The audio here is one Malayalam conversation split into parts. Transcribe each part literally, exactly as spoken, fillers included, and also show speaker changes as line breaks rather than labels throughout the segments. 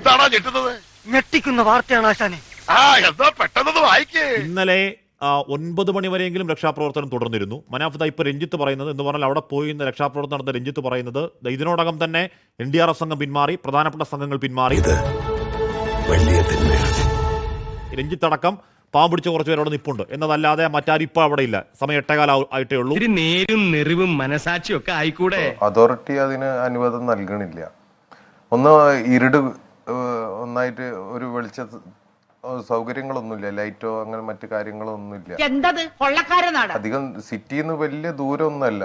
എന്താണോ ഞെട്ടുന്നത്?
ഞെട്ടിക്കുന്ന വാർത്തയാണ് ആശാനെ.
ആ എന്താ പെട്ടെന്ന് വായിക്കേ.
ഇന്നലെ ഒൻപത് മണിവരെയെങ്കിലും രക്ഷാപ്രവർത്തനം തുടർന്നിരുന്നു. മനാഫ് ഇപ്പൊ രഞ്ജിത്ത് പറയുന്നത് എന്ന് പറഞ്ഞാൽ അവിടെ പോയി ഇന്ന് രക്ഷാപ്രവർത്തനം നടന്ന രഞ്ജിത്ത് പറയുന്നത് ഇതിനോടകം തന്നെ എൻ ഡി ആർ എഫ് സംഘം പിന്മാറി, പ്രധാനപ്പെട്ട സംഘങ്ങൾ പിന്മാറി. രഞ്ജിത്ത് അടക്കം പാവം പിടിച്ച കുറച്ച് പേര് അവിടെ നിൽപ്പുണ്ട് എന്നതല്ലാതെ മറ്റാരും ഇപ്പൊ അവിടെ ഇല്ല. സമയം എട്ടേകാലം ആയിട്ടേ ഉള്ളൂ.
നേരും നെറിവും മനസാക്ഷിയും ഒക്കെ ആയിക്കൂടെ.
അതോറിറ്റി അതിന് അനുവാദം നൽകണില്ല. ഒന്ന് ഇരുട് ഒന്നായിട്ട് ഒരു വെളിച്ച സൗകര്യങ്ങളൊന്നുമില്ല, ലൈറ്റോ അങ്ങനെ മറ്റു കാര്യങ്ങളോ ഒന്നുമില്ല. അധികം സിറ്റിന്ന് വലിയ ദൂരമൊന്നുമല്ല.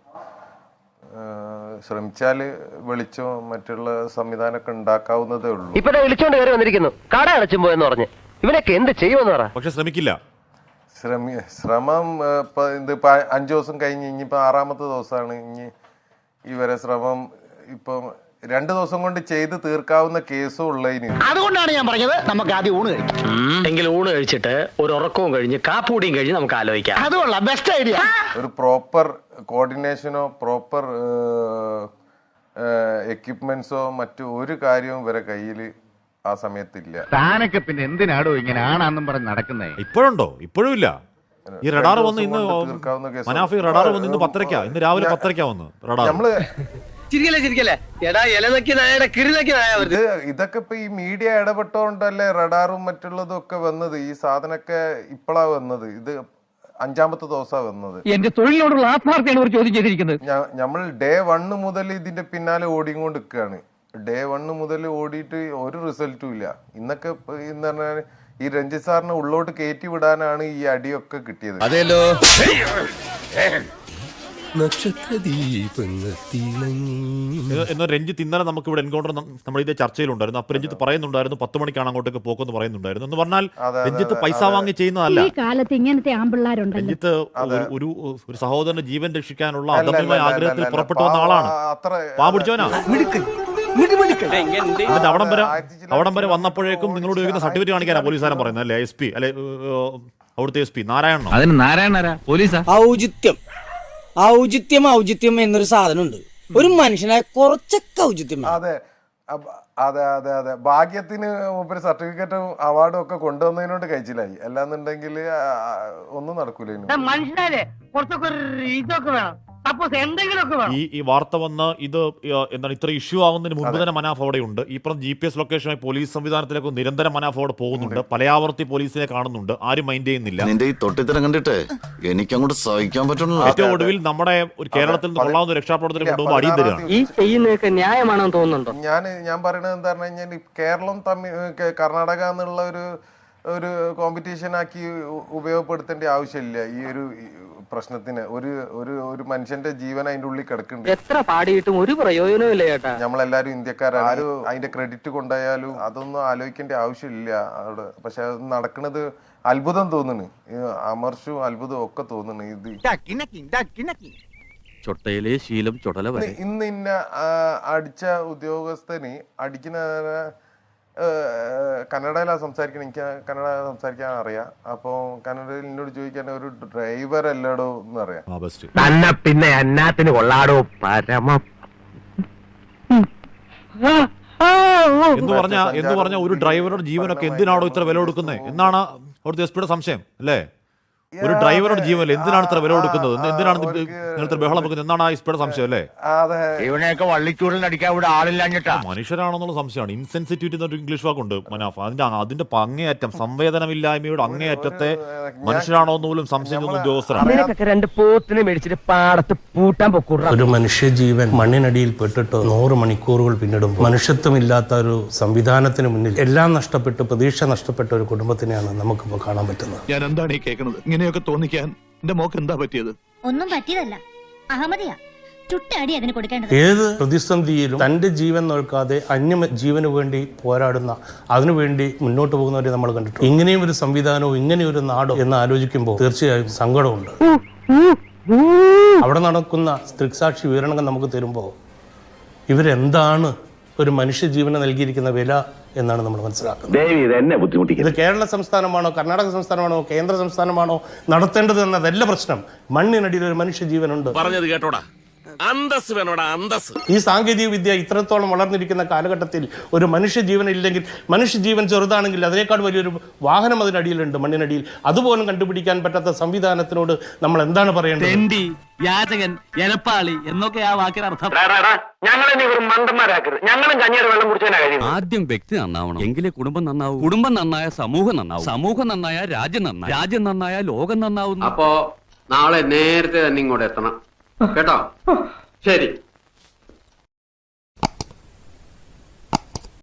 ശ്രമിച്ചാല് വെളിച്ചോ മറ്റുള്ള സംവിധാനമൊക്കെ ഉണ്ടാക്കാവുന്നതേ ഉള്ളൂ.
ഇപ്പൊ വിളിച്ചോണ്ട് കയറി വന്നിരിക്കുന്നു, കട അടച്ചും പോയെന്ന് പറഞ്ഞ്. ഇവനൊക്കെ എന്ത് ചെയ്യുമെന്ന് പറ.
പക്ഷെ ശ്രമിക്കില്ല.
ശ്രമി ശ്രമം ഇപ്പൊ ഇത് അഞ്ചു ദിവസം കഴിഞ്ഞ് ഇനിയിപ്പോ ആറാമത്തെ ദിവസമാണ്. ഇനി ഇവരെ ശ്രമം ഇപ്പം രണ്ടു ദിവസം കൊണ്ട് ചെയ്ത് തീർക്കാവുന്ന കേസും ഉള്ളതിന്.
അതുകൊണ്ടാണ് ഞാൻ പറഞ്ഞത് നമുക്ക് ആദ്യം ഊണ് കഴിക്കാം.
എങ്കിൽ ഊണ് കഴിച്ചിട്ട് ഒരു ഉറക്കവും കഴിഞ്ഞ് കാപ്പൂടിയും കഴിഞ്ഞ് നമുക്ക് ആലോചിക്കാം.
അതുകൊള്ള ബെസ്റ്റ് ഐഡിയ.
ഒരു പ്രോപ്പർ കോർഡിനേഷനോ പ്രോപ്പർ എക്യുപ്മെന്റ്സോ മറ്റു ഒരു കാര്യവും ഇവരെ കയ്യിൽ ആ സമയത്തില്ല.
താനൊക്കെ പിന്നെ എന്തിനാടോ ഇങ്ങനെ ആണാന്നും പറഞ്ഞ് നടക്കുന്നേ?
ഇപ്പോഴുണ്ടോ? ഇപ്പോഴും ഇല്ല. ഈ റഡാർ വന്ന് ഇന്ന് മനാഫി റഡാർ വന്ന് ഇന്ന് പത്തരക്കാ, ഇന്ന് രാവിലെ പത്തരക്കാ വന്ന് റഡാർ. നമ്മള്
ഇതൊക്കെ ഇപ്പൊ ഈ മീഡിയ ഇടപെട്ടോണ്ടല്ലേ റഡാറും മറ്റുള്ളതും ഒക്കെ വന്നത്. ഈ സാധനമൊക്കെ ഇപ്പോഴാ വന്നത്. ഇത് അഞ്ചാമത്തെ ദിവസമാണ് വന്നത്.
എന്റെ തൊഴിലിനോടുള്ള ആത്മാർത്ഥയാണ് ഒരു ചോദ്യം ചെയ്തിരിക്കുന്നത്.
നമ്മൾ ഡേ വണ്ണ് മുതൽ ഇതിന്റെ പിന്നാലെ ഓടിക്കൊണ്ട് നിൽക്കുകയാണ്. ഡേ വണ്ണ് മുതൽ ഓടിയിട്ട് ഒരു റിസൾട്ടും ഇല്ല. ഇന്നൊക്കെ എന്ന് പറഞ്ഞാൽ ഈ രഞ്ജിത്ത് സാറിനെ ഉള്ളോട്ട് കയറ്റി വിടാനാണ് ഈ അടിയൊക്കെ കിട്ടിയത്.
അതെല്ലോ
എന്നോ രഞ്ജിത്ത് ഇന്നലെ നമുക്ക് ഇവിടെ എൻകൗണ്ടർ നമ്മൾ ഇതേ ചർച്ചയിലുണ്ടായിരുന്നു. അപ്പൊ രഞ്ജിത്ത് പറയുന്നുണ്ടായിരുന്നു പത്ത് മണിക്കാണ് അങ്ങോട്ടേക്ക് പോക്കെന്ന് പറയുന്നുണ്ടായിരുന്നു. എന്ന് പറഞ്ഞാൽ രഞ്ജിത്ത് പൈസ വാങ്ങി ചെയ്യുന്നതല്ല. രഞ്ജിത്ത് ഒരു ഒരു സഹോദരന്റെ ജീവൻ രക്ഷിക്കാനുള്ള അദമ്യമായ ആഗ്രഹത്തിൽ പുറപ്പെട്ടു വന്ന ആളാണ്. പാവം പിടിച്ചവനാ. എന്നിട്ട് അവിടം വരെ അവിടം വരെ വന്നപ്പോഴേക്കും നിങ്ങളോട് ചോദിക്കുന്ന സർട്ടിഫിക്കറ്റ് കാണിക്കാനാ പോലീസുകാരൻ പറയുന്നത് അല്ലെ? എസ് പി അല്ലെ അവിടുത്തെ എസ് പി നാരായണനോ?
അതിന് നാരായണ പോലീസാ.
ഔചിത്യം ഔചിത്യം ഔചിത്യം എന്നൊരു സാധനമുണ്ട്. ഒരു മനുഷ്യനായ കുറച്ചൊക്കെ ഔചിത്യം.
അതെ അതെ അതെ അതെ ഭാഗ്യത്തിന് മൂപ്പര് സർട്ടിഫിക്കറ്റും അവാർഡും ഒക്കെ കൊണ്ടുവന്നതിനോട് കഴിച്ചില്ലായി. അല്ലാന്നുണ്ടെങ്കിൽ ഒന്നും നടക്കൂല.
മനുഷ്യനാലേ കുറച്ചൊക്കെ ഇതൊക്കെ വേണം.
ഈ ഈ വാർത്ത വന്ന് ഇത് എന്താണ് ഇത്ര ഇഷ്യൂ ആവുന്നതിന് മുമ്പ് തന്നെ മനാഫ് അവിടെ ഉണ്ട്. ഈ പറഞ്ഞ ജി പി എസ് ലൊക്കേഷനായി പോലീസ് സംവിധാനത്തിലേക്ക് നിരന്തരം മനാഫ് അവിടെ പോകുന്നുണ്ട്. പലയാവർത്തി പോലീസിനെ കാണുന്നുണ്ട്. ആരും മൈൻഡ് ചെയ്യുന്നില്ല.
നിന്റെ ഈ തൊട്ടിത്തരം കണ്ടിട്ട് എനിക്ക് അങ്ങോട്ട് സഹിക്കാൻ പറ്റുള്ളൂ.
ഏറ്റവും ഒടുവിൽ നമ്മുടെ ഒരു കേരളത്തിൽ നിന്ന് കൊള്ളാവുന്ന രക്ഷാപ്രവർത്തനം കൊണ്ടുപോകുമ്പോൾ അടിയും തരികയാണ്.
ഈ ചെയ്യുന്നതൊക്കെ ന്യായമാണെന്ന് തോന്നുന്നുണ്ടോ?
ഞാൻ ഞാൻ പറയുന്നത് എന്താ പറഞ്ഞു കഴിഞ്ഞാൽ കേരളം തമ്മിൽ കർണാടക എന്നുള്ള ഒരു ഒരു കോമ്പറ്റീഷൻ ആക്കി ഉപയോഗപ്പെടുത്തേണ്ട ആവശ്യമില്ല. ഈ ഒരു പ്രശ്നത്തിന് ഒരു ഒരു ഒരു മനുഷ്യന്റെ ജീവൻ അതിന്റെ ഉള്ളിൽ കിടക്കുന്നുണ്ട്.
എത്ര പാടിയിട്ടും ഒരു പ്രയോജനവും ഇല്ല ചേട്ടാ.
നമ്മളെല്ലാരും ഇന്ത്യക്കാരാണ്. ആരും അതിന്റെ ക്രെഡിറ്റ് കൊണ്ടായാലും അതൊന്നും ആലോചിക്കേണ്ട ആവശ്യമില്ല അവിടെ. പക്ഷെ അത് നടക്കുന്നത് അത്ഭുതം തോന്നുന്നു. അമർഷവും അത്ഭുതവും ഒക്കെ തോന്നുന്നു. ഇത്
ചൊട്ടയിലെ ശീലം ചുടല വരെ.
ഇന്ന് ഇന്ന അടിച്ച ഉദ്യോഗസ്ഥന് അടിക്കുന്ന കന്നഡയിലാണ് സംസാരിക്കണം. എനിക്ക് കന്നഡ സംസാരിക്കാൻ അറിയാം. അപ്പൊ കന്നഡയിൽ എന്നോട് ചോദിക്കാൻ ഒരു ഡ്രൈവർ അല്ലടോ എന്ന് അറിയാം.
തന്നെ പിന്നെ അന്നാത്തിന് കൊള്ളാടോ പരമ
എന്ന് പറഞ്ഞ എന്ന് പറഞ്ഞ ഒരു ഡ്രൈവറുടെ ജീവനൊക്കെ എന്തിനാണോ ഇത്ര വില കൊടുക്കുന്നത് എന്നാണ് അവിടുത്തെ എസ് പിയുടെ സംശയം അല്ലേ? ഒരു ഡ്രൈവറുടെ ജീവനല്ലേ എന്തിനാണ് ഇത്ര വില കൊടുക്കുന്നത്? എന്തിനാണ് ഇത്ര ബഹളം വെക്കുന്നത് എന്നാണ് ആ എസ് പിയുടെ സംശയം അല്ലേ?
ഇവനെയൊക്കെ വള്ളിച്ചൂടിൽ അടിക്കാൻ ഇവിടെ ആളില്ലാഞ്ഞിട്ടാ.
മനുഷ്യരാണെന്നുള്ള സംശയമാണ്. ഇൻസെൻസിറ്റിവിറ്റി എന്നൊരു ഇംഗ്ലീഷ് വാക്കുണ്ട് മനാഫ്. അതിന്റെ അതിന്റെ അങ്ങേയറ്റം സംവേദനമില്ലായ്മയുടെ അങ്ങേയറ്റത്തെ മനുഷ്യരാണോ എന്ന് പോലും സംശയം ഉദ്യോഗസ്ഥരാണ്.
രണ്ട് പോത്തിനെ മേടിച്ചിട്ട് പാടത്ത് പൂട്ടാൻ പൊക്കൂട.
ഒരു മനുഷ്യജീവൻ മണ്ണിനടിയിൽ പെട്ടിട്ട് നൂറ് മണിക്കൂറുകൾ പിന്നിടുമ്പോൾ മനുഷ്യത്വമില്ലാത്ത ഒരു സംവിധാനത്തിന് മുന്നിൽ എല്ലാം നഷ്ടപ്പെട്ട് പ്രതീക്ഷ നഷ്ടപ്പെട്ട ഒരു കുടുംബത്തിനെയാണ് നമുക്കിപ്പോൾ കാണാൻ പറ്റുന്നത്.
ഞാൻ എന്താണ് ഈ കേൾക്കുന്നത്? ഇങ്ങനെയൊക്കെ തോന്നിക്കാൻ എന്റെ മോക്ക് എന്താ പറ്റിയത്?
ഒന്നും പറ്റിയതല്ല, അഹമ്മദിയാ. ചുട്ടടി അതിന് കൊടുക്കേണ്ടത്.
ഏത് പ്രതിസന്ധിയിലും തന്റെ ജീവൻ നോക്കാതെ അന്യ ജീവന് വേണ്ടി പോരാടുന്ന അതിനുവേണ്ടി മുന്നോട്ട് പോകുന്നവരെ നമ്മൾ കണ്ടിട്ടുണ്ട്. ഇങ്ങനെയും ഒരു സംവിധാനവും ഇങ്ങനെയൊരു ഒരു നാടോ എന്ന് ആലോചിക്കുമ്പോൾ തീർച്ചയായും സങ്കടമുണ്ട്. അവിടെ നടക്കുന്ന ദൃക്സാക്ഷി വിവരണങ്ങൾ നമുക്ക് തരുമ്പോൾ ഇവരെന്താണ് ഒരു മനുഷ്യജീവന് നൽകിയിരിക്കുന്ന വില എന്നാണ് നമ്മൾ മനസ്സിലാക്കുന്നത്. ഇത് കേരള സംസ്ഥാനമാണോ കർണാടക സംസ്ഥാനമാണോ കേന്ദ്ര സംസ്ഥാനമാണോ നടത്തേണ്ടത് എന്നതല്ല പ്രശ്നം. മണ്ണിനടിയിൽ ഒരു മനുഷ്യജീവനുണ്ട്.
പറഞ്ഞത് കേട്ടോടാ.
അന്തസ് വേണോടാ അന്തസ്.
ഈ സാങ്കേതിക വിദ്യ ഇത്രത്തോളം വളർന്നിരിക്കുന്ന കാലഘട്ടത്തിൽ ഒരു മനുഷ്യജീവൻ ഇല്ലെങ്കിൽ, മനുഷ്യജീവൻ ചെറുതാണെങ്കിൽ അതിനേക്കാൾ വലിയൊരു വാഹനം അതിനടിയിലുണ്ട്, മണ്ണിനടിയിൽ. അതുപോലും കണ്ടുപിടിക്കാൻ പറ്റാത്ത സംവിധാനത്തിനോട് നമ്മൾ എന്താണ് പറയേണ്ടത്?
യാചകൻ, എലപ്പാളി എന്നൊക്കെ ആ വാക്കിന് അർത്ഥം.
ഞങ്ങളെ വെറും മണ്ടന്മാരാക്കരുത്. ഞങ്ങളും കഞ്ഞിയുടെ വെള്ളം കുടിച്ചാൽ കഴിയും.
ആദ്യം വ്യക്തി നന്നാവണം, എങ്കിലേ കുടുംബം നന്നാവൂ. കുടുംബം നന്നായ സമൂഹം നന്നാവും, സമൂഹം നന്നായ രാജ്യം നന്നാവും, രാജ്യം നന്നായ ലോകം നന്നാവുന്നു.
അപ്പോ നാളെ നേരത്തെ തന്നെ ഇങ്ങോട്ട് എത്തണം കേട്ടോ. ശരി.